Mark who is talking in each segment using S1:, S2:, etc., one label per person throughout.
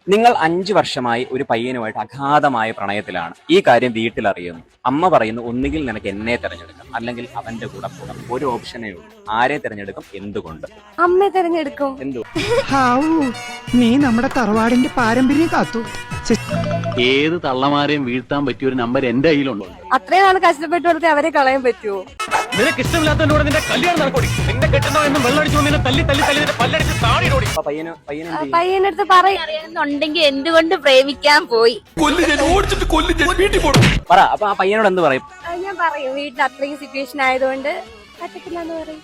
S1: നിങ്ങൾ 5 വർഷമായി ഒരു പയ്യനുമായിട്ട് അഗാധമായ പ്രണയത്തിലാണ്. ഈ കാര്യം വീട്ടിൽ അറിയുന്നു. അമ്മ പറയുന്നു, ഒന്നുകിൽ നിനക്ക് എന്നെ തിരഞ്ഞെടുക്കാം, അല്ലെങ്കിൽ അവന്റെ കൂടെ പോകാം. ഒരു ഓപ്ഷനേ ഉള്ളൂ. ആരെ തിരഞ്ഞെടുക്കും? എന്തുകൊണ്ട്?
S2: അമ്മയെ തിരഞ്ഞെടുക്കും.
S1: എന്തു?
S3: നീ നമ്മുടെ തറവാടിന്റെ പാരമ്പര്യം കാത്തു.
S4: ഏത് തള്ളമാരെയും വീഴ്ത്താൻ പറ്റിയ ഒരു നമ്പർ എന്റെ കയ്യിലുണ്ടോ?
S2: അത്രയും നാൾ കഷ്ടപ്പെട്ട് കൊടുത്ത് അവരെ കളയാൻ പറ്റുമോ?
S4: നിനക്ക് ഇഷ്ടമില്ലാത്തതിനോട് നിന്റെ കല്യാണം നടക്കൂടി. നിന്നെ കെട്ടുന്നോ എന്നും വെള്ളടിച്ചു നിന്നെ തല്ലി തല്ലി തല്ലി നിന്റെ പല്ലടിച്ച് താടിയിടോടി.
S2: പയ്യന്റെ അടുത്ത്
S5: അറിയാമെന്നുണ്ടെങ്കിൽ എന്തുകൊണ്ട് പ്രേമിക്കാൻ പോയി?
S1: പറ. അപ്പൊ ആ പയ്യനോട് എന്ത് പറയും?
S2: ഞാൻ പറയും, വീട്ടിൽ അത്രയും സിറ്റുവേഷൻ ആയതുകൊണ്ട് പറ്റത്തില്ല എന്ന് പറയും.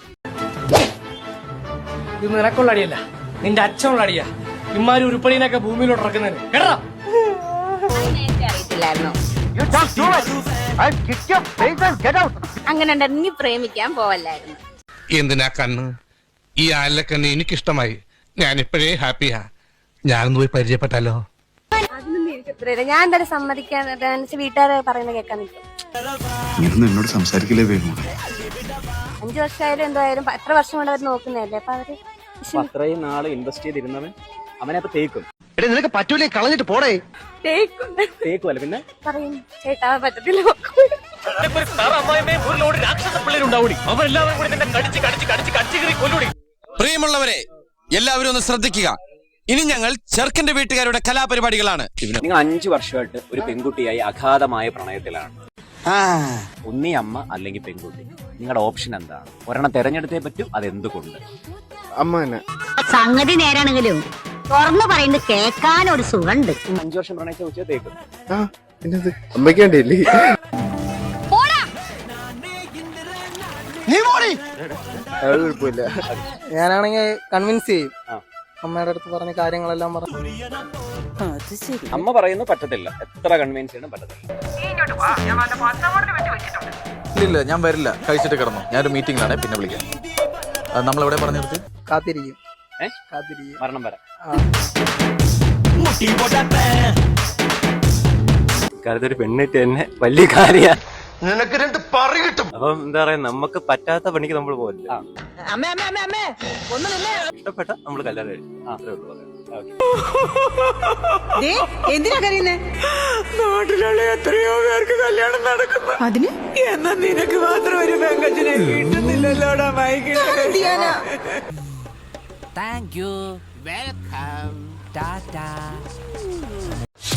S6: ഇത് നിനക്കുള്ള അടിയല്ല, നിന്റെ അച്ഛനുള്ള അടിയാ. ഇമ്മാരി ഉരുപ്പടിനൊക്കെ ഭൂമിയിലോട്ട് ഇറക്കുന്നതിന് കേട്ടോ.
S5: അറിയത്തില്ലായിരുന്നോ? അങ്ങനെ ഉണ്ടെങ്കിൽ പ്രേമിക്കാൻ പോവല്ലായിരുന്നു.
S7: എന്തിനാ കണ്ണ്? ഈ ആലക്കണ്ണ് എനിക്കിഷ്ടമായി. ഞാനിപ്പോഴേ ഹാപ്പിയാ. ഞാനൊന്ന് പോയി പരിചയപ്പെട്ടാലോ?
S2: അതിനൊന്നും എനിക്ക് ഉത്തരവില്ല. ഞാൻ എന്തായാലും സമ്മതിക്കാൻ വീട്ടുകാരെ പറയുന്നത് കേൾക്കാൻ നിൽക്കും.
S8: എന്നോട് സംസാരിക്കില്ലേ വേഗം?
S2: 5 വർഷമായാലും എന്തായാലും എത്ര വർഷം കൊണ്ട് അവർ നോക്കുന്നതല്ലേ. അപ്പൊ അവര്
S1: അത്രയും നാള് ഇൻവെസ്റ്റ് ചെയ്തിരുന്നവൻ അവനെ അപ്പൊ തേക്കും.
S3: നിനക്ക് പറ്റൂലേ, കളഞ്ഞിട്ട് പോടേ.
S1: തേക്കുമല്ല പിന്നെ
S2: പറയും, ചേട്ടാ പറ്റത്തില്ല.
S9: പ്രിയമുള്ളവരെ, എല്ലാവരും ഒന്ന് ശ്രദ്ധിക്കുക. ഇനി ഞങ്ങൾ ചെറുക്കന്റെ വീട്ടുകാരുടെ കലാപരിപാടികളാണ്.
S1: നിങ്ങൾ 5 വർഷമായിട്ട് ഒരു പെൺകുട്ടിയായി അഗാധമായ പ്രണയത്തിലാണ്. ഒന്നീ അമ്മ അല്ലെങ്കിൽ പെൺകുട്ടി. നിങ്ങളുടെ ഓപ്ഷൻ എന്താണ്? ഒരെണ്ണം തെരഞ്ഞെടുത്തേ പറ്റൂ. അതെന്തുകൊണ്ട്?
S8: അമ്മ തന്നെ.
S5: സംഗതി നേരാണെങ്കിലും തുറന്നു പറയുന്നത് കേൾക്കാൻ ഒരു സുഖമുണ്ട്.
S1: 5 വർഷം പ്രണയിച്ച ഉച്ച തേക്കും.
S8: അമ്മയ്ക്ക് വേണ്ടിയല്ലേ? കുഴപ്പമില്ല.
S6: ഞാനാണെങ്കിൽ കൺവിൻസ് ചെയ്യും. അമ്മയുടെ അടുത്ത് പറഞ്ഞ കാര്യങ്ങളെല്ലാം പറഞ്ഞു.
S1: അമ്മ പറയുന്നു പറ്റത്തില്ല. എത്ര കൺവിൻസ് ചെയ്യണം പറ്റത്തില്ല.
S10: ഇല്ല, ഞാൻ വരില്ല. കഴിച്ചിട്ട് കിടന്നു. ഞാനൊരു മീറ്റിംഗിലാണ്, പിന്നെ വിളിക്കാം. നമ്മളെവിടെ പറഞ്ഞു നിർത്തി?
S6: കാത്തിരിക്കും.
S1: മരണം വരെ.
S11: ഒരു പെണ്ണിട്ട് തന്നെ വലിയ കാര്യ.
S3: നിനക്ക് 2 പറി കിട്ടും.
S11: അപ്പം എന്താ പറയാ, നമുക്ക് പറ്റാത്ത പണിക്ക് നമ്മൾ പോകില്ല. ഇഷ്ടപ്പെട്ട നമ്മള് കല്യാണം കഴിക്കും. അത്രേ ഉള്ളൂ.
S3: എന്തിനാ കരയുന്നേ? നാട്ടിലുള്ള എത്രയോ പേർക്ക് കല്യാണം നടക്കുന്നു. അതിന് എന്നാ നിനക്ക് മാത്രം ഒരു പെങ്കച്ചിനെ കിട്ടുന്നില്ലല്ലോടാ മൈക്കിട്ട്.
S9: Thank you, welcome, Tata.